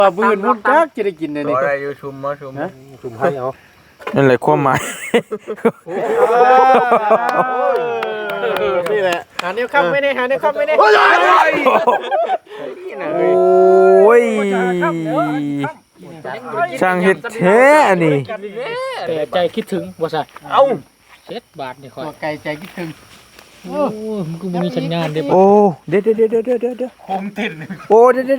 บืนมุกจักจะได้กินเลยนี่อะไรอยู่ชุมมาชุมชุมให้เอานั่นแหละความหมายนี่แหละหาเนี้ยครับไม่ได้หาเนี้ยครับไม่ได้โอ้ยช่างเฮ็ดแท้อันนี้แต่ใจคิดถึงบ่ใช่เอ้า 7 บาทนี่ค่อยตัวไก่ใจคิดถึงโอ้มันก็บ่มีสัญญาณเด้บ่โอ้เดี๋ยวคมติดโอ้เดี๋ยว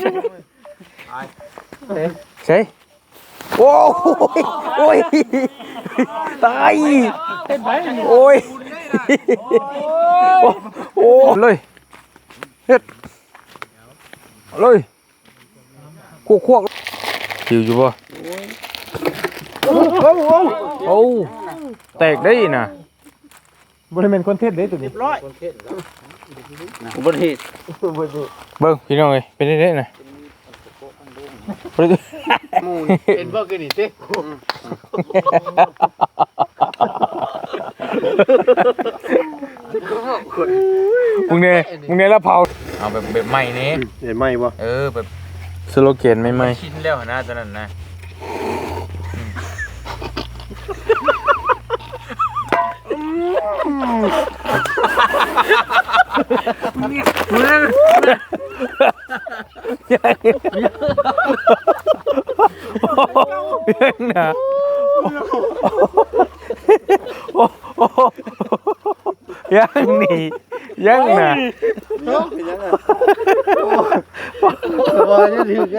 ใช่โอ้ยโอ้ยตายโอ้ยโอ้เลยเฮ็ดเลยควกหิวอยู่บ่โอ้แตกได้น่ะบ่ได้แม่นคอนเทนต์เด้ตัวนี้อุบัติเหตุเบิ่งพี่น้องเอ้ยเป็นได้น่ะบ่ได้เป็นบ่คือนี่สิมึงเนี่ยละเผาเอาแบบใหม่นี้เห็นไหมบ่แบบสโลแกนใหม่ชิ้นแล้วนะตอนนั้นนะยังนะยังนี่ยังนะบ่จะถึงกัน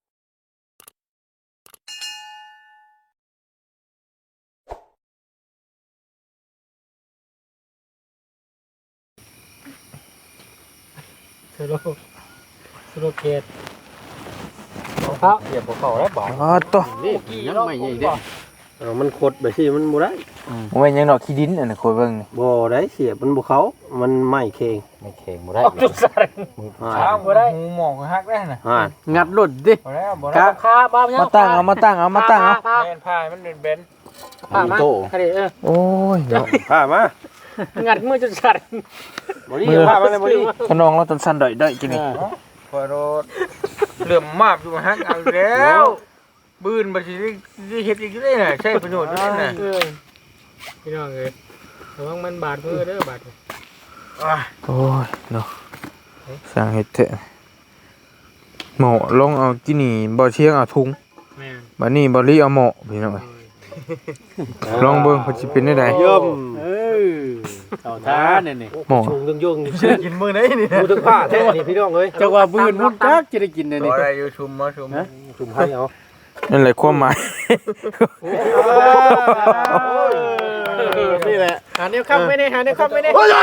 สโลเกตครับเหยียบเขาแล้วบ่อ๋อตัวนี่ยังไม่ใหญ่เด้มันขดไปสิมันบ่ได้โอ้ยยังดอกขี้ดินอันน่ะโคยเบิ่งนี่บ่ได้เสียมันบ่เขามันไม่เค็งไม่เข่งบ่ได้จุดสารข้าวบ่ได้หูหมอกฮักได้น่ะงัดรถดิบ่แล้วบ่คได้รับครับบ้าเนี่ยมาตั้งเอามาตั้งเอาแม่นพายมันเบนผ้ามาคดีโอ้ยเนาะพามางัดมือจุดสารบ่ดีพามาเลยบ่ดีขนองเราต้นสั้นได้กินนี่พอรถเหลื่อมมากอยู่ฮักเอาแล้วบืนบ่สิได้เฮ็ดอีกได้น่ะใช้ประโยชน์ด้วยน่ะพี่น้องเอ้ยระวังมันบาดมือเด้อบาดโอ้ยเนาะสร้างเฮ็ดเถอะหมอลงเอากินนี่บ่เชียงเอาทุงแม่นบัดนี้บ่ลีเอาหมอพี่น้องเอ้ยลองเบิ่งว่าสิเป็นได้ใดย่อมเอาท่าเนี่ยนี่หมอชุงยุ่งกินมื้อไหนนี่ดูถึงผ้าแท้นี่พี่น้องเอ้ยจังว่าบืนมุกจักจะได้กินเลยนี่อะไรอยู่ชุมมาชุมชุมให้เอานั่นแหละความหมายนี่แหละหาเนี้ยครับไม่ได้หาเนี้ยครับไม่ได้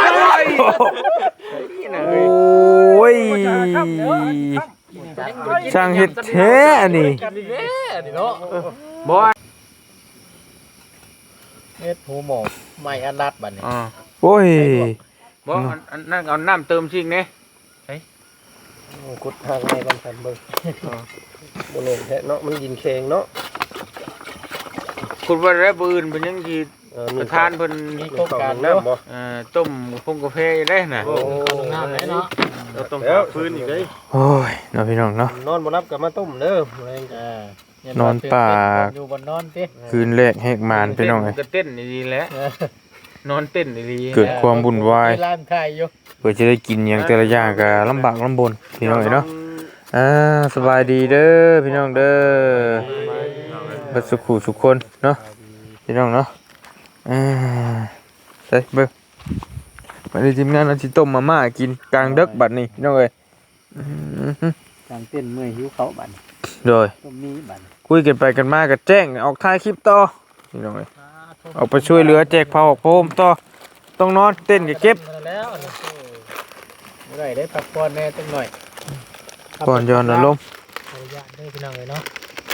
โอ้ยช่างเฮ็ดแท้อันนี้เฮ็ดหูหมอกไม่อันรัดบัดนี้โอ้ยบ่อันนั่นเอาน้ำเติมซิงเด้กดทางในกันสันเบิ่งบ่ลงแท้เนาะมันยินแข็งเนาะคุณว่าได้บืนเป็นยังสิประธานเพิ่นมีโครงการน้ำบ่ต้มพงกาแฟได้น่ะโอ้น้ำไหนเนาะเราต้องหาฟืนอีกเด้ยโอ้ยเนาะพี่น้องเนาะนอนบ่รับก็มาต้มเด้อนอนป่าอยู่บนนอนติคืนแรกแหกมานพี่น้องเอ้ยก็เต้นดีๆแหล้วนอนเต้นดีๆเกิดความวุ่นวายร้านขายอยู่เพื่อจะได้กินอย่างแต่ละอย่างก็ลำบากลำบนพี่น้องเอ้ยเนาะสบายดีเด้อพี่น้องเด้อบัดสุขุสุขคนเนาะพี่น้องเนาะใส่เบิ่งมาได้ทีมงานเอาสิต้มมาม่ากินกลางดึกบัดนี้พี่น้องเอ้ยกลางเต้นเมื่อยหิวเขาบัดนี้โดยต้มนี้บัดคุยกันไปกันมาก็แจ้งออกท้ายคลิปต่อพี่น้องเอ้ยออกไปช่วยเหลือแจกผ้าออกโพมต่อต้องนอนเต้นก็เก็บแล้วบ่ได้ได้พักผ่อนแน่จังหน่อยก่อนย้อนอารมณ์ขออนุญาตเด้อพี่น้องเอ้ยเนาะ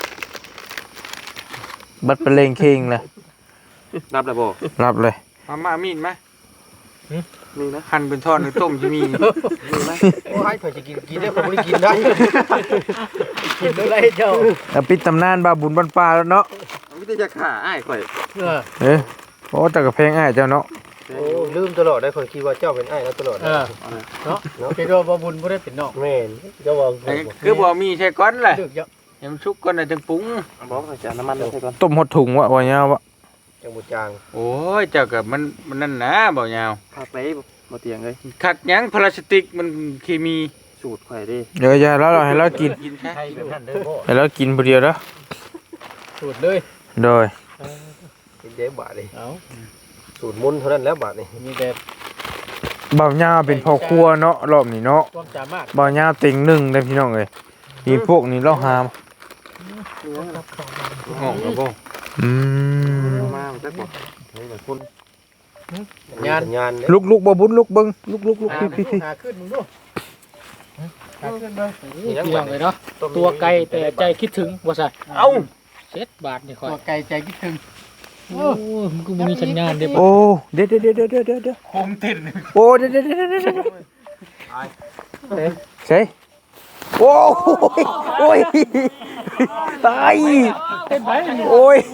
บัดเป็นเลงคิงเลยรับแล้วบ่รับเลยมามีดมั้ยมีนะหั่นเป็นท่อนหรือต้มจะมีโอ้ให้เพิ่นสิกินได้ผมบ่ได้กินได้กินได้เจ้าแล้วปิดตำนานบาบุญบ้านป่าแล้วเนาะมีแต่จะฆ่าอ้ายข่อยโอ้แต่กับเพลงอ้ายเจ้าเนาะแโอ้ลืมตลอดได้คนคิดว่าเจ้าเป็นไอ้แล้วตลอดเนาะคิดว่าบ่บุญบ่ได้เป็นนอกแม่นเจ้าว่าคือบ่มีใช่ก้อนแหละดึกเยอะให้มันชุกก่อนน่ะจังปรุงบอกจะน้ำมันใส่ก่อนต้มหดถุงวะบ่ยาววะจังบ่จางโอ้ยเจ้าก็มันนั่นนะบ่ยาวพักไปบ่เตียงเลยคักหยังพลาสติกมันเคมีสูตรข่อยดิเดี๋ยวอย่าแล้วเราให้เรากินกินใช่ให้แบบนั้นเด้อพ่อให้เรากินผู้เดียวเด้อสูตรเลยโดยเป็นเจ๊บาทนี่เอาสูตรมุนเท่านั้นแล้วบาทนี่มีแต่บ่าวยาวเป็นพ่อครัวเนาะรอบนี้เนาะความสามารถบ่าวยาวเต็งหนึ่งเด้อพี่น้องเอ้ยมีพวกนี้เราหามงงแล้วบ่อืมมาจักบ่เฮ้ยคุณสัญญาณสัญญาณลุกบ่บุญลุกเบิ่งลุกพี่หาขึ้นมึงดูหาขึ้นเบิ่งนี่พี่น้องเลยเนาะตัตัวไกลแต่ใจคิดถึงบ่ใช่เอ้า 7 บาทนี่ค่อยตัวไกลใจคิดถึงโอ้มันก็บ่มีสัญญาณเด้โอ้เดี๋ยวโฮมติดโอ้เดี๋ยวใช่โอ้ยโอ้ยตายเต้นไปนี่โอ้ย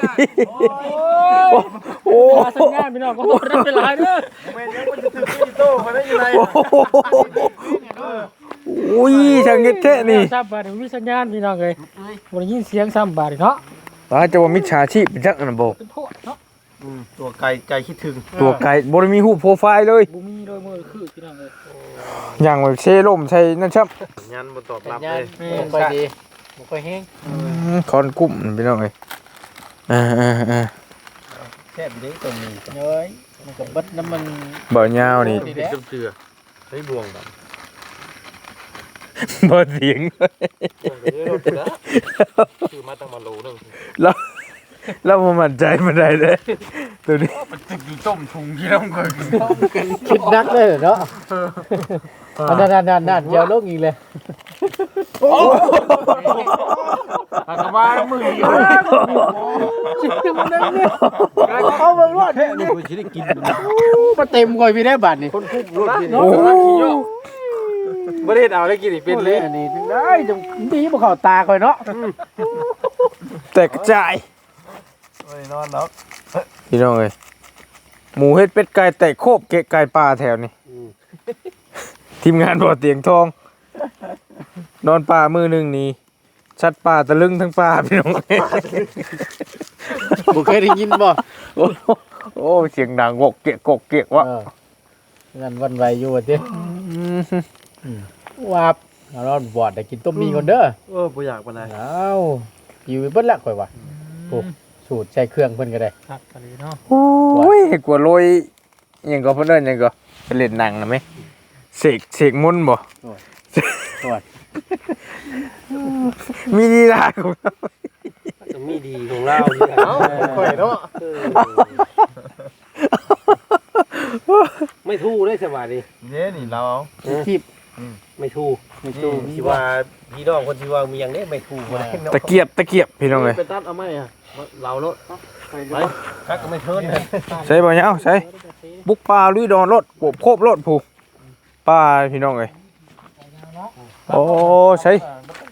โอ้หาสัญญาณพี่น้องก็บ่ได้เป็นหลายเด้อโอ้ยช่างเงี้ยแท้นี่ 3 บาทมีสัญญาณพี่น้องเอ้ยบ่ได้ยินเสียง3 บาทเนาะตาจะว่ามิจฉาชีพเป็นจักอันนะบ่เป็นโทษเนาะตัวไกลใจคิดถึงตัวไก่บ่ได้มีรูปโปรไฟล์เลยบ่มีโดยมือคือพี่น้องเอ้ยอย่างแบบเซร่มใช่นั่นครับสัญญาณบ่ตอบสัรับญญาเลณยบ่ค่อยดีบ่ค่อยแฮงคอนกุ้มพี่น้องเอ้ยอ่าแค่นี้ตรงนี้เอ้ยมันก็เบิดน้ำมันบ่ยาวนี่นี่แหละเชื่อเฮ้ยบวงแบบบ่เสียงคือมาตั้งมาโลนึงแล้วบ่มั่นใจบ่ได้เด้ตัวนี้ตึกอยู่ต้มถุงที่เราเคยกินคิดนักเลยเนาะนั่นๆๆๆเดี๋ยวลงอีกเลยปากกาบ้ามือเอาเบิ่งรอดนี่คุณสิได้กินมาเต็มก่อยพี่ได้บาทนี่คนคุกรถนี่โอ้โหบ่ได้เอาได้กินอีกเป็นเลยอันนี้ถึงได้จังดีบ่เข้าตาก่อยเนาะแตกกระจายโอ้ยนอนแล้วพี่น้องเอ้ยหมูเฮ็ดเป็ดไก่แตกโคบเกะไก่ป่าแถวนี้ทีมงานบ่อเตียงทอง นอนป่ามือหนึงนี่ชัดป่าตะลึงทั้งป่าพี่น้องเอ้ยบ่เคยได้ยินบ่โอ้โอ้เสียงดังกกเกะวะงั้นวันไหวอยู่ว่าติว่าเรารอดบอดได้กินต้มมีก่อนเด้อบ่อยากปานใดเอาอยู่เบิดละข่อยว่าโอ้สูตรใช้เครื่องเพิ่นก็ได้ครับอันนี้เนาะโอ้ยกลัวโรยอิหยังก็เพิ่นเอิ้นหยังก็ไปเล่นหนังน่ะแม่เสกมนต์บ่ตรวจมีลีลาของเราจะมีดีของเราอยู่แล้วข่อยเนาะไม่ทู่ได้สบายดีเนี่ยนี่เราทิพไม่ทู่ไม่ตู้ที่ว่าพี่น้องคนที่ว่ามีอย่างนี้ไม่ทู่บ่ได้เนาะตะเกียบพี่น้องเอ้ยไปตัดเอาไหมอ่ะเราโลดไปคักก็ไม่เทินใส่บ่ยาวใส่บุกป่าลุยดอนรถโบกโคบรถผู้ป่าพี่น้องเอ้ยโอ้ใส่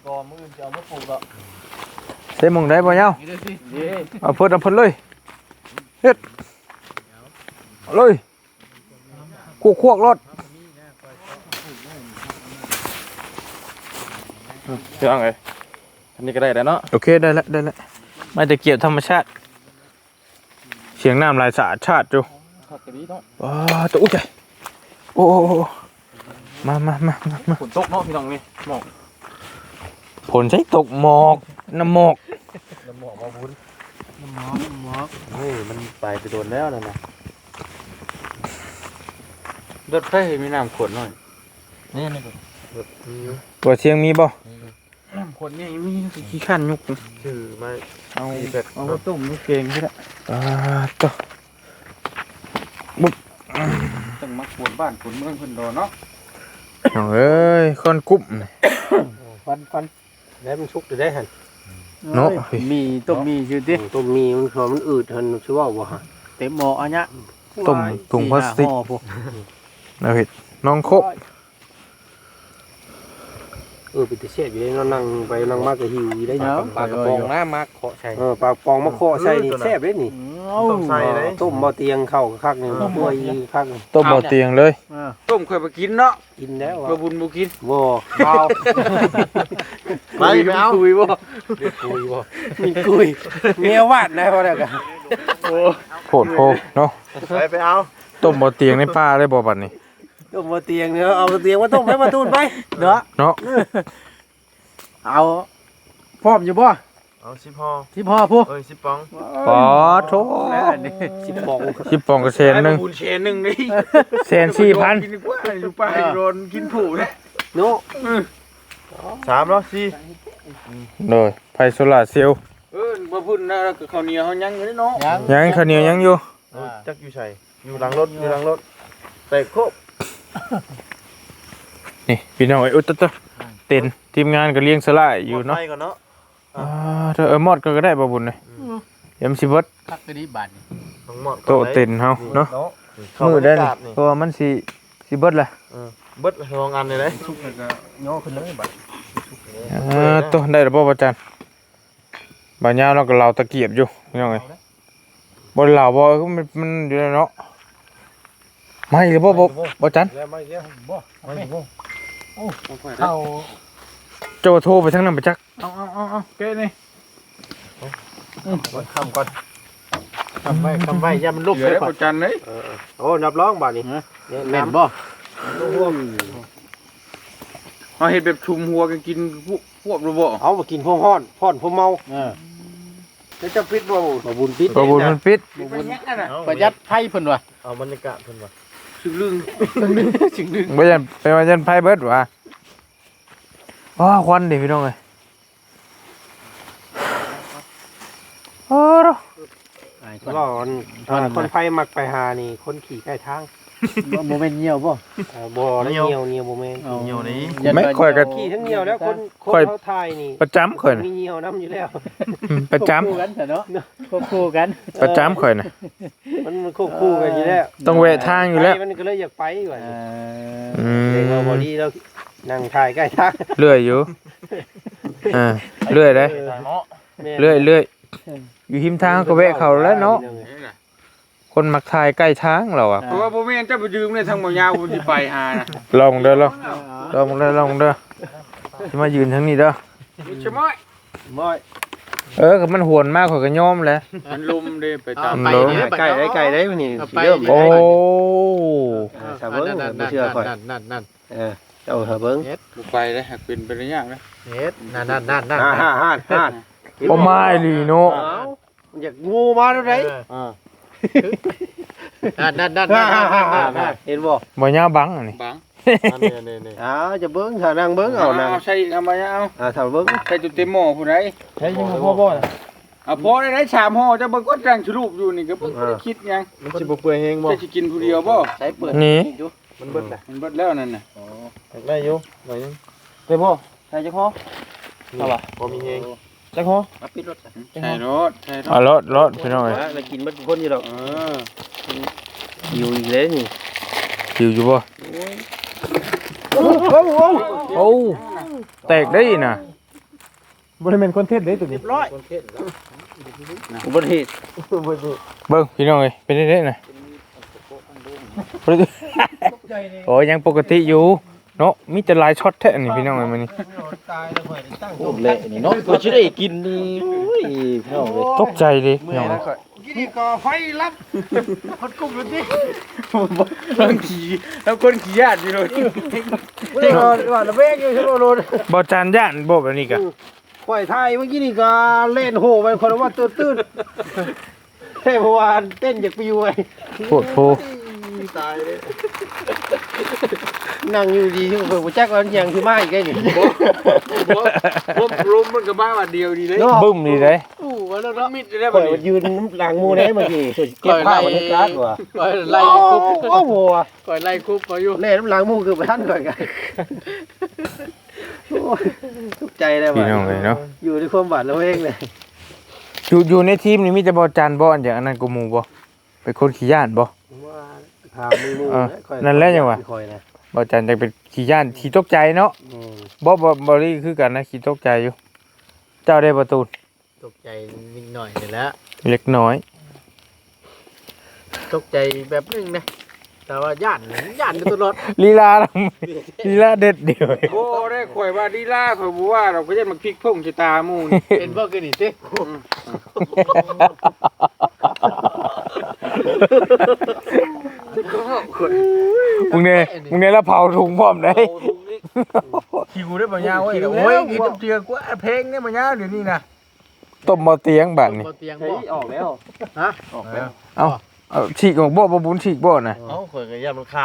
ใส่หมองได้บ่ยาวเอาเพิ่นเลยเฮ็ดเอาเลยควกรถพี่น้องเอ้ยอันนี้ก็ได้แล้วเนาะโอเคได้แล้วไม่ตะเกียบธรรมชาติเสียงน้ำลายสะอาดชาติอยู่ ว้าตัวอุ้ยใจโอ้มาฝนตกเนาะพี่น้องนี่หมอกผลใช้ตกหมอกน้ำหมอกน้ำหมอกมาบุญน้ำหมอกเฮ้ยมันไปโดนแล้วนะรถไฟมีน้ำขวดหน่อยนี่ตัวเชียงมีบ่น้ำขวดนี่มีขี้ขันยุกชื่อมาเอามาต้มนี่เก่งที่ละตัวต้องมาขวดบ้านขวดเมืองเพิ่นดอเนาะเอ้ยคนกุ๊บฟันได้มันชุกได้หันเนาะมีต้มมีชื่อติต้มมีมันคือมันอืดหันชื่อว่าบ่ฮะเต็มหม้ออันเนี้ยต้มถุงพลาสติกห่อพวกนะพี่น้องโคบไปติเสียอยู่ได้นั่งไปนั่งมากก็หิวอยู่ได้ปลากระป๋องน้ำมาเคาะใส่ปลากระป๋องมาเคาะใส่นี่แซ่บเด้นี่มต้องใส่เลยต้มบ่เตียงเข้าคักนึงป่วยคักนึงต้มบ่เตียงเลยต้มเคยไปกินเนาะกินแล้วบ่บุญบ่กินบ่เอาไปเอาคุยบ่คุยบ่มีคุยเมียวาดนะพอแล้วกันโผดโพเนาะไปเอาต้มบ่เตียงในป่าได้บ่บัดนี้ต้มบ่เตียงเนาะเอาเตียงมาต้มให้มาตูนไปเนาะเนาะเอาพร้อมอยู่บ่เอา10ห่อที่พ่อผู้เอ้ย10ปองปอโถ 10ปอง 10ปองก็แสนหนึงบุญเชนหนึงนี่แสนสี่พันกินดีกว่าอยู่ป่าโดนกินผูเด้โน้3แล้ว4 โดยไผโซลาร์เซลล์บ่พุ่นนะข้าวเหนียวเฮายังอยู่เนาะยังข้าวเหนียวยังอยู่จักอยู่ใส่อยู่หลังรถแต่ครบนี่พี่น้องไอ้อุตตะเต็นทีมงานก็เลี้ยงสลายอยู่เนาะไปก่อนเนาะถ้ามอดก็ได้บ่บุญเลยยำสิเบิดคักดีบาดนี่น้องหมอดโตะเต็นเฮาเนาะมือได้นี่เพราะว่ามันสิเบิดล่ะเบิดลองอันเลยเลยชุกแล้วก็ย่อขึ้นเลยบัดโตะได้แล้วบ่อาจารย์บาดยาวเราก็เหลาตะเกียบอยู่พี่น้องเอ้ยบ่เหลาบ่มันอยู่แล้วเนาะไม่หรือบ่อาจารย์แล้วไม่เลี้ยงบ่ไม่บ่เข้าเจ้าโทรไปทางนั้นไปจักเอาเก้นี่คำก่อนคำไว้อย่ามันลุกเหลือเลยแล้วบ่จันเลยโอ้นับร้องบัดนี้แม่นบ่ร่วมเฮาเฮ็ดแบบชุมหัวกันกินพวกบ่เอามากินพวกฮ้อนพ่อนพวกเมาเออแล้วจะปิดบ่บุญปิดบ่บุญมันปิดบุญน่ะประหยัดไผเพิ่นว่ะเอาบรรยากาศเพิ่นว่าสึกลึงบ่ยันไปว่ายันไผเบิดว่ะควันดิพี่น้องเอ้ยโอ้โหก็คนไฟมักไปหานี่คนขี่ใกล้ทางบ่แม่นเหี่ยวบ่บ่แล้วเหนียวบ่แม่นเหี่ยวนี้ไม่ค่อยก็ขี่ทั้งเหนียวแล้วคนเขาทายนี่ประจำข่อยน่ะมีเหนียวน้ำอยู่แล้วประจำคู่กันเนาะควบคู่กันประจำข่อยน่ะมันควบคู่กันอยู่แล้วต้องแวะทางอยู่แล้วมันก็เลยอยากไปว่าอืเด็กเราบอมดี้แล้วนั่งถ่ายใกล้ทางเลื่อยอยู่เลื่อยได้เลื่อยอยู่หิมทางก็แวะเขาแล้วเนาะคนมักทายใกล้ทางเราอ่ะเพราะว่าบ่แม่นเจ้าไปยืมในทางบ่ยาวบ่สิไปหาน่ะลองเด้อลองเด้อจะมายืนทางนี้เด้อใช่มั้ยม้อยก็มันหวนมากข่อยก็ยอมแหละมันลมเด้ไปตามไปเด้ไก่ได้มันนี่ไปเริ่มโอ้ชาวเบิ้งไม่เชื่อก่อนนั่นเจ้าชาวเบิ้งบ่ไปเลยหากเป็นไปได้ยากนะเฮ็ดนั่นห้าโอ้ไม่ลีโนอยากงูมาแล้วไหนนั่นเห็นบ่บ่ยาบังอันนี้บังจะเบิ้งถ้านั่งเบิ้งเอานั่งใส่เอามาเอาถ้าเบิ้งใส่จุดเต็มหม้อผู้ใดใช้ยังบ่บ่เอาพอได้3ห่อจะเบิ่งก็จังสรุปอยู่นี่ก็บ่ได้คิดหยังมันสิบ่เปื่อยแฮงบ่จะสิกินผู้เดียวบ่ใช้เปิดนี่มันเบิ้งได้มันเบิดแล้วนั่นน่ะได้อยู่หน่อยนึงได้บ่ใช้จักพอบ่มีแฮงจักพอปิดรถใช่รถใช่รอ่ะถรถพี่น้องเอ้ยแล้วกินมันคนอยู่ดอก อยู่อีกเลยนี่หิวอยู่บ่โอ้แตกได้น่ะบ่ได้แม่นคอนเทนต์เด้ตัวนี้ร้อยอุบัติเหตุเบิ่งพี่น้องเอ้ยเป็นได้น่ะโอ้ยังปกติอยู่เนาะมีแต่หลายช็อตแท้นี่พี่น้องเอ้ยมื้อนี้โอ้เละนี่เนาะกูสิได้กินนี่โอ้ยพี่น้องเลยตกใจดิพี่น้องเอ้ยกินก่อไฟรับคนกุ้มดูสิแล้วขี่แล้วคนขี่ญาติอยู่เลยเด็กว่าระเวงอยู่ใช่บ่โลดบ่จานย่านบ่แบบนี้กะปล่อยไทยเมื่อกี้นี่ก็เล่นโหไปคนว่าตื้นๆเฮ้ยเมื่อวานเต้นจากปิวไว้โคตรโพตายเลยนั่งอยู่ดีที่เพิ่นบ่จักว่ามันยังสิมาอีกไงนี่รวมมันก็บ้าว่าเดียวดีเลยบึ้มดีเด้อู้ว่าแล้วเนาะมิดได้ข่บ่อยนี่มันยืนหลังหมู่ได้เมื่อกี้เก็บผ้ามันกลางว่ะก่อยไล่คุบโอ้โหก่อยไล่คุบมาอยู่เล่นหลังหมู่คือบ่ทันก่อนกันโอ้ยทุกใจเลยพี่ว่ะน้องเลยเนาะอยู่ในความบาดระเวงเลยอยู่ในทีมนี่มีแต่บ่จานบ่อันอย่างอันนั้นกูหมู่บ่เป็นคนขี้ย่านบ่ว่าถามมือค่อยนั่นแหละจังหวะค่อยนะบ่จานจะเป็นขี้ย่านขี้ตกใจเนาะอืมบ่ลี่คือกันนะขี้ตกใจอยู่ เจ้าได้ประตูตกใจนิดหน่อยนี่แหละเล็กน้อยตกใจแบบนึงนะแต่ว่าย่านอยู่ตลอดลีลาลีลาเด็ดเดียวโอ้ได้ข่อยว่าดีล่าข่อยบ่ว่าเราก็จะมาพลิกพุ่งชะตาหมู่นี่เห็นบ่คือนี่สิมึงเนี่ยแล้วเผาถุงพร้อมได้คิวได้บ่ยาวเว้ยโอ้ยกินเจือกูเพลงเนี่ยบ่ยาวเดี๋ยวนี้นะต้มบ่เตียงบัดนี่บ่เตียงเฮ้บ่ยออกแล้วฮะออกแล้วเอาฉีกออกบ่บุญฉีกบ่น่ะเอ้าข่อยก็ย่ามันคาว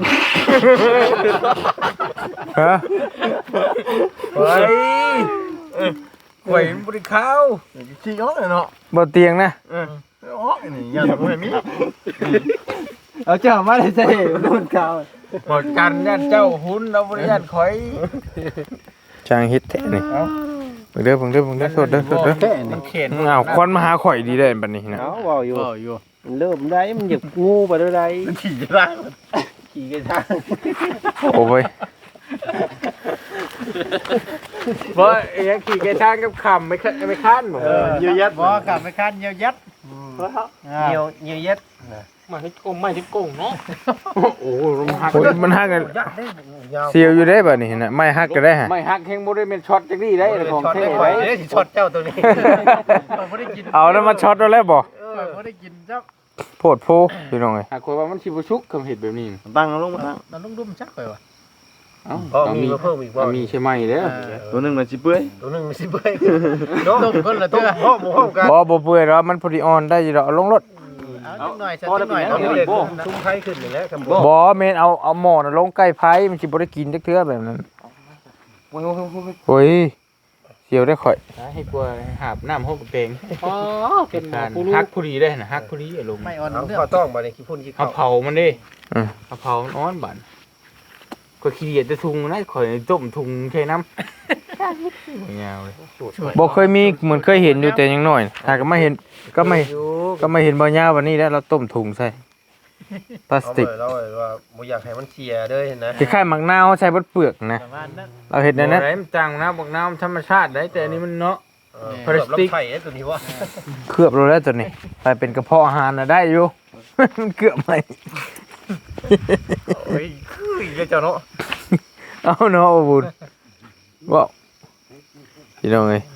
ฮะเฮ้ยข่อยมันบ่ได้เข้าขี้ออกเลยเนาะบ่เตียงนะออกนี่ย่าบ่ให้มีเอาเจ้ามาได้ใส่โดนคาวหมดกันย่านเจ้าหุ่นเราบ่ได้ย่านข่อยช่างเฮ็ดแท้นี่เด้อโทษเด้อแค่นี้มันเข็นอ้าวควันมาหาข่อยดีได้บัดนี้นะเอาเว้าอยู่อยู่มันเริ่มได้มันอยากงูไปได้ไรขี่จะได้ขี่กันทางโอ้ยบ่ไอ้ยังขี่แกทางกับคำไม่คันบ่เยอะแยะบ่กลับไปคันเยียวยัดเยอะแยะมาที่โกงเนาะโอ้มันหักโอ้ยมันฮักกันเสียวอยู่ได้บัดนี้นะไม่ฮักก็ได้ฮะไม่หักแฮงบ่ได้เป็นช็อตจังนี้ได้ของเท่ไว้ไว้เด้สิช็อตเจ้าตัวนี้บ่ได้กินเอาแล้วมาช็อตเอาแล้วบ่บ่ได้กินจ้ะโพดโพพี่น้องเอ้ยหากว่ามันสิบ่ชุกคำเฮ็ดแบบนี้ตั้งลงมาตั้งมันต้องดุมจักไปว่ะเอ้าก็มีมาเพิ่มอีกว่ามีใช่ไหมเด้อตัวนึงมันสิเปื่อยตัวนึงมันสิเปื่อยต้มคนละเตื้อห้อมห้อมกันบ่เปื่อยแล้วมันพอดีอ่อนได้อยู่ดอกเอาลงรถเอาจักหน่อยสักพอจัได้กหน่อยเอาเอาเด็กซุ้มไข่ขึ้นนี่แหละครับบ่บ่แม่นเอาหม้อน่ะลงใกล้ไผมันสิบ่ได้กินจักเทื่อแบบนั้นโอ้ยเสียวได้ข่อยให้กลัวหาบน้ำห้องเปงอ๋อเป็นการฮักผู้ดีได้นะฮักผู้ดีอารมณ์ไม่อ่อนเอาเรื่องข้าวต้องมาในขี้พุ่นขี้เอาข้าวเผามันดิเอาเผามันอ้อนบั่นก็ขี้เกียจจะทุงนะข่อยต้มทุงใช้น้ำยาวเลยบ่เคยมีเหมือนเคยเห็นอยู่แต่ยังน้อยถ้าก็ไม่เห็นก็ไม่เห็นบ่ยาววันนี้แล้วเราต้มถุงใส่พลาสติกเราว่าบ่อยากให้มันเสียเด้อเห็นนะคล้ายๆหมักนาวใส่เบดเปลือกนะประมาณนั้นเราเห็นได้นะอะไรมันจังนะบอกน้ำธรรมชาติได้แต่อันนี้มันเนาะพลาสติกไข่ตัวนี้ว่าเคลือบเราแล้วตัวนี้ไปเป็นกระเพาะอาหารน่ะได้อยู่ มันเกือบไหมเฮ้ยคือเจ้าเนาะเอาเนาะบ่บุญบ่พี่น้องเอ้ย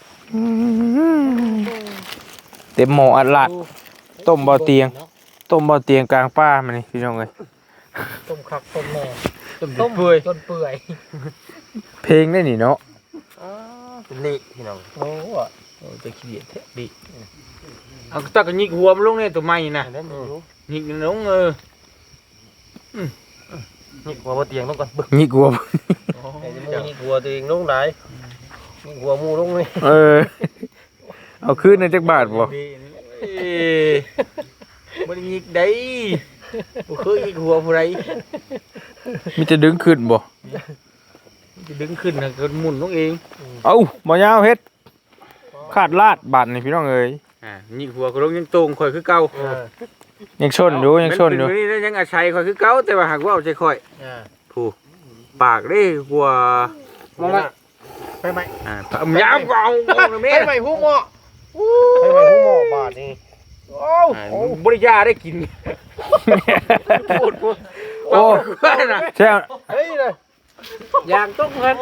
เต็มหม้ออัดลาดต้มบ่เตียงกลางป่ามานี่พี่น้องเอ้ยต้มคักต้มแน่ต้มเปื่อยต้นเปื่อยเพลงได้นี่เนาะเป็นนี่พี่น้องโอ้จะขี้เกียจแท้ดิเอาตะกันยิกหัวมันลงในตัวใหม่นะยิกลงนี่หัวบ่เตียงต้องก่อนบึกนี่กลัวไอ้นี่หัวตัวเองลงไหนนี่หัวหมูลงนี่เอาคืนในจักบาทบ่มันยิกได้บ่เคยยิกหัวผู้ใดมีจะดึงขึ้นบ่จะดึงขึ้นนะก็หมุนลงเองเอ้าบ่ยาวเฮ็ดขาดลาดบาดนี่พี่น้องเอ้ยยิกหัวก็ลงยังตรงข่อยคือเก่ายังชนอยู่ยังชนอยู่มันเป็นนี่ยังอาชัยข่อยคือเก่าแต่ว่าหากว่าเอาใจข่อยอ่าผู้ปากได้กว่ามาละไปไหมยาวกว่าเอาแม่ไปไหมหูหม้อให้ไปหูหมอบาดนี่โอ้บริยาได้กินพูดโอ้น่ะใช่เฮ้ยเลยยางต้มกัน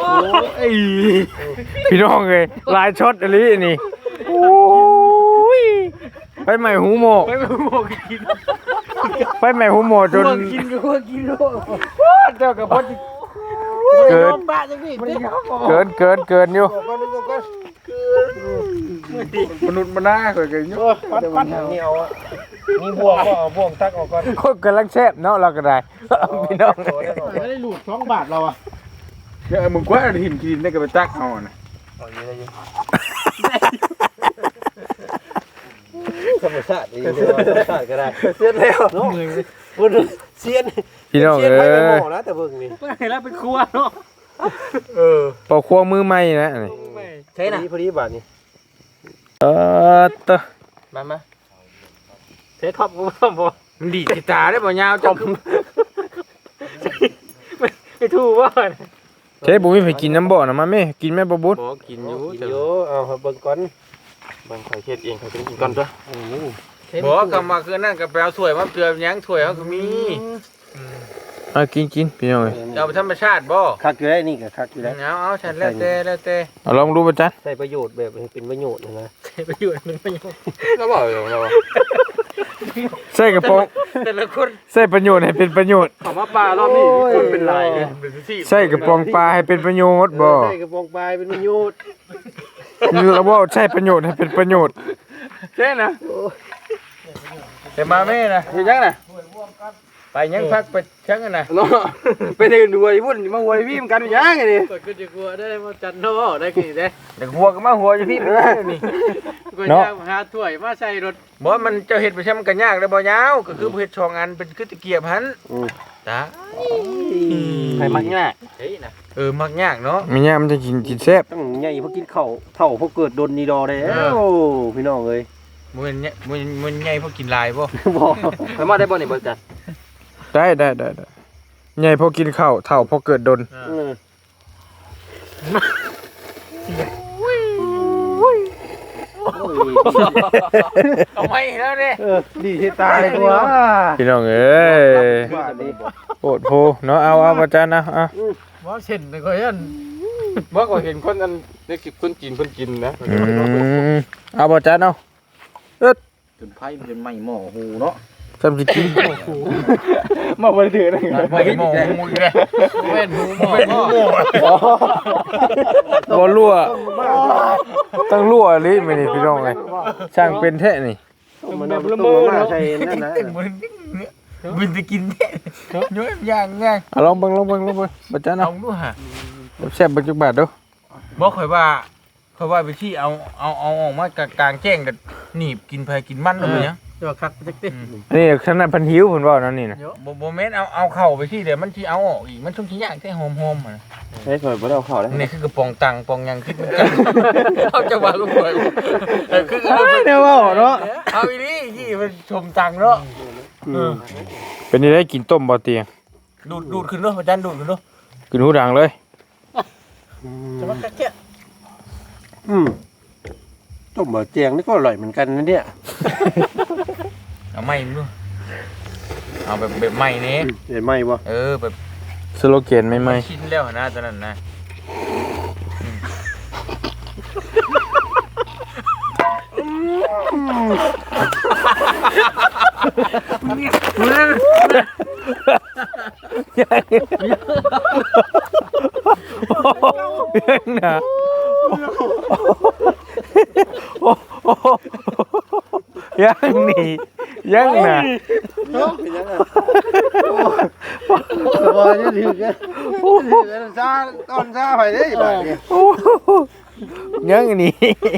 พี่น้องเอ้ยลายช็อตอันนี้นี่โอ้ยไปใหม่หูโมกไปบอกกินไปใหม่หูโมจนกินก็ว่ากินโลเจ้ากับพ่อเกินบ้าจังนี่เกินอยู่มนุษย์มาหน้าข่อยกันเนาะปั้นนี่เอามีบ่วงก็เอาบ่วงตักออกก่อนคนกำลังแซ่บเนาะเราก็ได้พี่น้องไม่ได้หลุด2 บาทเราอ่ะมึงกว่าหินกินได้ก็ไปตักเอาน่ะเอาอยู่ได้อยู่ธรรมชาติดีเลยธรรมชาติก็ได้เสียแล้วเนาะพุ่นเสียนพี่น้องเสียนเอ้ไปยหม้อนะแต่เบิ่งนี่ไม่แล้วเป็นครัวเนาะปอกครัวมือใหม่นะนี่ใช่นะพอดีบาทนี่ตะมาเทท็อปบ่บ่มันดีจิตาได้บ่ยาวเจ้าคือไม่ถูกว่าเจ๊บุ้มีไปกินน้ำบ่อนะมาแม่กินแม่บ่บุญบ่กินอยู่กินอยู่เอาเบิ่งก่อนเบิ่งข่อยเฮ็ดเองข่อยกินก่อนจ้ะบ่คำว่าคือนั่นก็ไปเอาถ้วยมาเตือนหยังถ้วยเขาก็มีกินพี่น้องเอ้ยเอาไปธรรมชาติบ่คักอยู่ได้นี่ก็คักอยู่ได้เอาฉันแล้วแต่เอาลองดูบ่จ๊ะใช้ประโยชน์แบบให้เป็นประโยชน์นะประโยชน์มันประโยชน์เราบอกอยู่เราใส่กระป๋องแต่ละคนใส่ประโยชน์ให้เป็นประโยชน์ขอมาปลารอบนี้คนเป็นลายเลยเป็นที่ใส่กระป๋องปลาให้เป็นประโยชน์บ่ใช้กระปองปลายเป็นประโยชน์เราว่าใช้ประโยชน์ให้เป็นประโยชน์เช่นะแต่มาแม่นะคือยังน่ะไปยังพักไปชังกันน่ะเนาะไปเดินดูไอ้พุ่นมาหัวพี่มันกันยังไงนี่ก็จะกลัวได้มาจันเนาะได้กี่ได้เด็กหัวก็มาหัวอยู่พี่นี่ก็จะหาถ้วยมาใส่รถบ่มันเจ้าเฮ็ดไปใช้มันก็ยากแล้วบ่ยาวก็คือเฮ็ดช่องอันเป็นคือตะเกียบหันตาใครมักง่ายเฮ้ยนะมักยากเนาะมีเนี่ยมันจะกินแซ่บต้องใหญ่พวกกินข้าวเท่าพวกเกิดโดนนีดอได้แล้วพี่น้องเอ้ยมันใหญ่พอกินลายบ่บอกใครมาได้บ่นี่เบิกกันได้ใหญ่พอกินข้าวเท่าพอเกิดดนเอาไม่แล้วเด้ดีที่ตายกว่าพี่น้องเอ้ยโอดโพเนาะเอาบ่จ๊ะนะอ่ะว่าเช่นก็ยันบ่ก็เห็นคนนั้นได้กินคนจีนนะเอาบ่จ๊ะเนาะจนไพ่เป็นไม่หม้อหูเนาะจำสิกินมาบ่ได้ถือนะไม่หมองมูเลยเว้นหูหมอบ่รั่วต้องรั่วลิมื้อนี้พี่น้องเอ้ยช่างเป็นแท้นี่มันเอาตุ้มมาใส่นั่นนะบินจะกินแท้ย้อยย่างเอาลองเบิ่งบ่จ๊ะเอาเนาะดูฮะแซ่บบ่จักบาทเด้อบ่ค่อยว่าไปที่เอาออกมากลางแจ้งกันหนีบกินไผกินมันแล้วเนี่ยตัวคักจักตินี่ขนาดเพันหิวเพิ่นเว้านั่นนี่นะบ่แม่นเอาเข้าไปที่เดี๋ยวมันสิเอาออกอีกมันต้องสิย่างแต่หอมๆอ่ะเฮ้ยข่อยบ่ได้เอาข้าวเลยนี่คือกระป๋องตังปองยังคิดเหมือนกันเอาจะว่าลูกหวยคือเด้อเว้าเนาะเอาอีนี่ยี่มันชมตังเนาะเป็นนี่ได้กินต้มบ่เตียงดูดขึ้นเนาะอาจารย์ดูดขึ้นเนาะกินหูดังเลยจะมาคักแค่ต้มบะเจียงนี่ก็อร่อยเหมือนกันนะเนี่ยเอาไม้มึงเอาแบบไม้นี้เห็นไหมบ่แบบสโลแกนใหม่ชินแล้วนะตอนนั้นนะๆยังนะยังนี่ยังนะบ่จะถึงกันซาตอนซาไปเด้บาดนี้ยังนี่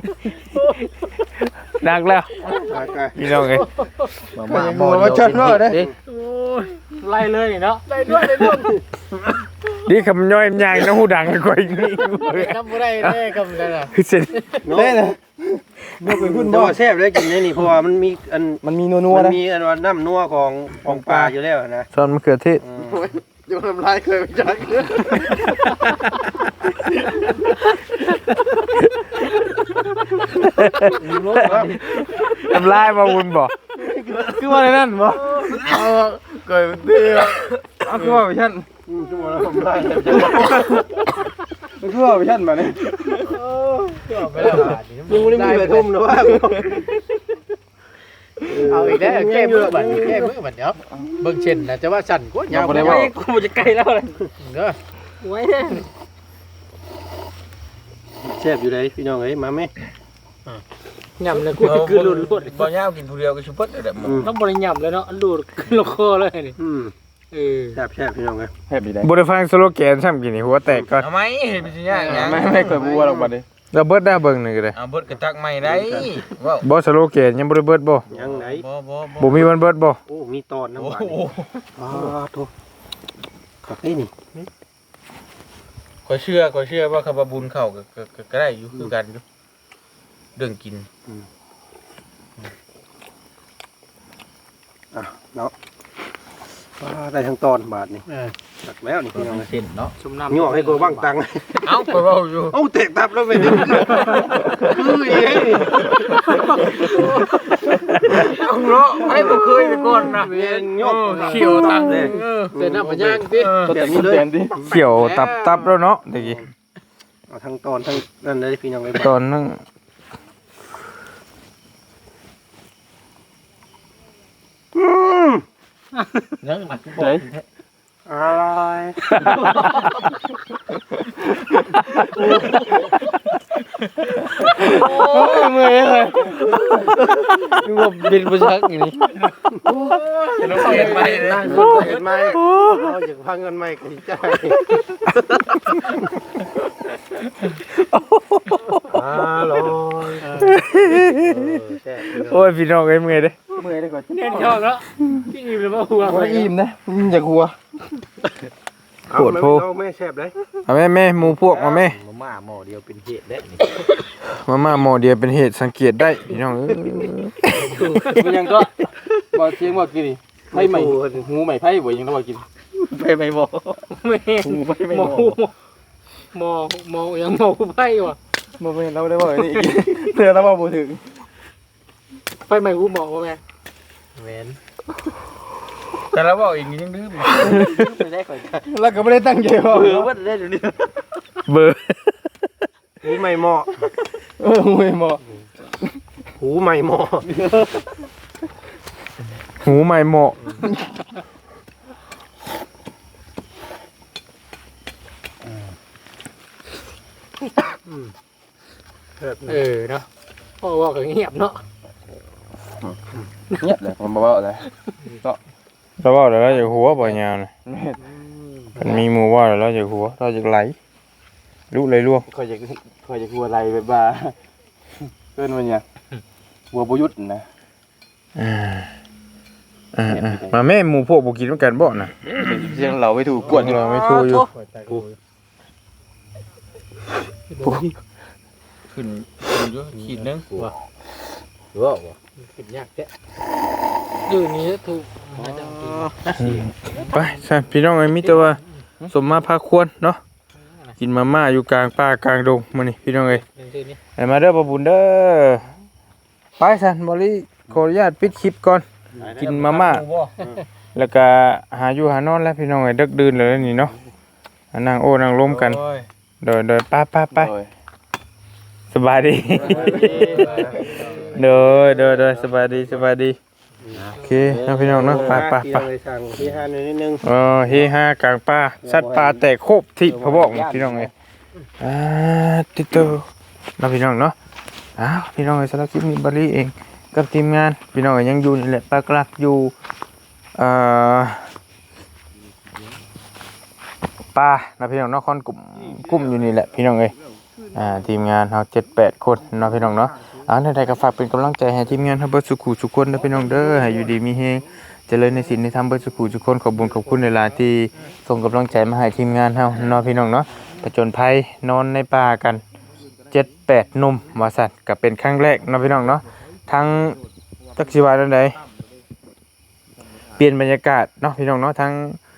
ดักแล้วพี่น้องเอ้ยมาชนว่าเด้ไล่เลยเนาะไล่ด้วยนี่คำย่อยยางนะหูดังกว่าอีกนี่ทำบ่ได้แน่กำลังน่ะคือเสร็จเด้นะบ่เป็นพุ่นบ่แซ่บเลยกินนี่เพราะว่ามันมีอันมันมีนัวมันๆนะมีอันว่าน้ำนัวของปลาอยู่แล้วนะซอนมะเขือเทศอยู่น้ำลายเคยไปจักทำลายมาวุนบ่คือว่าในนั่นบ่เคยเตี้ยเอาคือว่าไปชั้นคือว่าน้ำลายคือว่าไปชั้นมาเนี่ยไม่ได้บาทยังไม่ได้มีใบทุ่มนะว่าเอาอีกแล้วแก้มือบัดเดี๋ยวเบิ่งเช่นนะจะว่าสั่นกว่ายาวบ่ได้ว่ากูจะไกลแล้วเลยเด้อไว้เด้แซ่บอยู่เลยพี่น้องเอ้ยมาไหมย่ำเลยกูคือหลุดบ่ยาวกินผู้เดียวก็ชุบเปิดเด้อต้องบ่ได้ย่ำเลยเนาะหลุดขึ้นลงคอเลยนี่แซ่บพี่น้องเอ้ยแฮปปี้ได้บ่ได้ฟังสโลแกนซ้ำกินนี่หัวแตกก่อนเอาไหมเห็นเป็นสิยากหยังไม่เคยบัวหรอกบัดนี้เราเบิดได้เบิ่งหนึงก็ได้เอาเบิดกระตักใหม่ได้ว้าวบ่สโลแกนยังบ่ได้เบิดบ่ยังไหนบ่บ่มีวันเบิดบ่โอ้มีตอนน้ำโอ้หวานโหโธ่ขับได้นี่ขอยเชื่อว่าคำว่าบุญเข้าก็ได้อยู่คือกันอยู่เรื่องกินเนาะได้ทั้งตอนบาทนี่ตักแล้วนี่พี่น้องเอ้ยเส้นเนาะชุ่มน้ำย่อให้กูบ้างตังค์เอ้าไปเว้าอยู่เอ้าเตะตับแล้วไม่ได้คืออีกเอาเนาะให้บ่เคยไปก่อนนะเวียนยกเขียวตังเลยเส้นน้ำมันย่างติตัวแต่นี้เลยเขียวตับแล้วเนาะตะกี้เอาทั้งตอนทั้งนั่นเลยพี่น้องเลยตอนนั้นยังหมักกูบอกอะไรเมื่อยเลยกูบอกบินบ่ชักอย่างนี้เราเห็นไหมนั่งเห็นไหมเราอยากพังเงินไหมกันใจลอยโอ้ยพี่น้องเอ้ยเมื่อยเด้เมื่อยได้ก่อนเน่นชอบแล้วพี่อิ่มเลยว่าหัวว่าอิ่มนะอยากหัวเอาแม่แซ่บเลยเอาแม่หมู่พวกมาแม่มาม่าหม้อเดียวเป็นเหตุได้นี่มาม่าหม้อเดียวเป็นเหตุสังเกตได้พี่น้องเอ้ยมันยังก็บ่เสียงบ่กินนี่ไผใหม่หูใหม่ไผบ่ยังต้องบ่กินไปไม่หม้อแม่ไปไม่หหมม้อหมอยังหมอไผว่ะบ่แม่เราได้บ่นี่เตือนแล้วบ่ถึงไผใหม่หูหมอบ่แม่แม่นแต่เราบอกอีกยังดื้อไปได้ก่อนแล้วก็ไม่ได้ตั้งใจว่าเออว่าได้เดี๋ยวนี้เบอร์หูไม่เหมาะหูไม่เหมาะหูไม่เหมาะหูใหม่เหมาะเนาะพ่อว่าก็เงียบเนาะเงียบเลยผมบอกเลยเราว่าแล้วเราจะหัวบ่อยาวนะมันมีหมู่ว่าแล้วเราจะหัวเราจะไหลลุเลยล่วงคอยจะกลัวอะไรแบบว่าเกินมันเนี่ยกลัวประยุทธ์นะมาแม่หมู่พวกบ่กินเหมือนกันบ่น่ะเสียงเราไม่ถูกกวนเราไม่ถูกอยู่ขึ้นเยอะขีดนึงหรือว่าขึ้นยากแท้อยู่นี่ถูกอาจารย์ไปสั่นพี่น้องไอ้มีแต่ว่าสมมาพาควรเนาะกินมาม่าอยู่กลางป่ากลางดงมื้อนี้พี่น้องเอ้ยนี่ให้มาเด้อบ่บุญเด้อไปสั่นบ่ลิขออนุญาตปิดคลิปก่อนกินมาม่าแล้วก็หาอยู่หานอนแล้วพี่น้องเอ้ยดึกดื่นแล้วนี่เนาะนั่งโอ้นั่งล้มกันเดินไปสบายดีเด้อสบายดีโอเคนะพี่น้องเนาะไปสั่งที่ห้านิดนึงเฮฮากลางป่าสัตว์ป่าแตกโคบที่เขาบอกพี่น้องเอ้ยติโตนะพี่น้องเนาะพี่น้องเอ้ยสำหรับคลิปนี้บริเองกับทีมงานพี่น้องเอ้ยยังอยู่นี่แหละปากหลักอยู่ป่านะพี่น้องเนาะค่อนกลุ่มอยู่นี่แหละพี่น้องเอ้ยทีมงานเฮา7-8 คนเนาะพี่น้องเนาะใดๆก็ฝากเป็นกำลังใจให้ทีมงานเฮาเบิดสุขุทุกคนนะพี่น้องเด้อให้อยู่ดีมีเฮงเจริญในศีลในธรรมเบิดสุขุทุกคนขอบคุณหลายๆที่ส่งกำลังใจมาให้ทีมงานเฮาเนาะพี่น้องเนาะผจญภัยนอนในป่ากัน7-8 หนุ่มว่าซั่นก็เป็นครั้งแรกเนาะพี่น้องเนาะทั้งจักสิว่าจังไดเปลี่ยนบรรยากาศเนาะพี่น้องเนาะทั้ง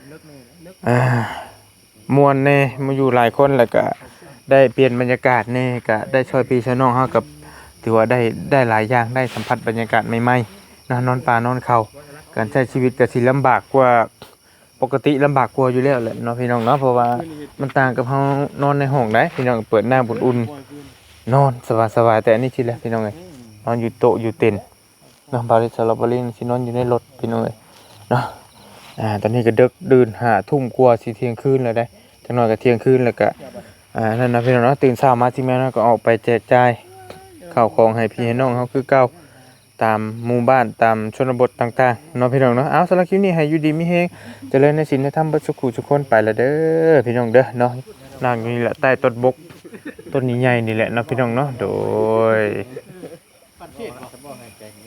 มวนแน่มาอยู่หลายคนแล้วก็ได้เปลี่ยนบรรยากาศแน่ก็ได้ช่วยพี่ช่วยน้องเฮากับถือว่าได้หลายอย่างได้สัมผัสบรรยากาศใหม่ๆนอนป่านอนเขาการใช้ชีวิตก็สิลำบากกว่าปกติลำบากกว่าอยู่แล้วแหละเนาะพี่น้องเนาะเพราะว่ามันต่างกับเฮานอนในห้องได้พี่น้องเปิดหน้าอุ่นๆนอนสบายๆแต่อันนี้สิแหละพี่น้องเอ้ยนอนอยู่โต๊ะอยู่เต็นท์เนาะบาริสลาบารินสินอนอยู่ในรถพี่น้องเอ้ยเนาะตอนนี้ก็ดึกดื่น5 ทุ่มกว่าสิเที่ยงคืนแล้วได้จักหน่อยก็เที่ยงคืนแล้วก็นั่นนะพี่น้องเนาะตื่นเช้ามาทีมงานก็ออกไปแจกจ่ายข้าวของให้พี่ให้น้องเฮาคือเก่าตามหมู่บ้านตามชนบทต่างๆเนาะพี่น้องเนาะเอาสำหรับคลิปนี้ให้อยู่ดีมีเฮงเจริญในศีลในธรรมเบิดสุขทุกคนไปละเด้อพี่น้องเด้อเนาะนั่งอยู่นี่แหละใต้ต้นบกต้นนี้ใหญ่นี่แหละเนาะพี่น้องเนาะโดย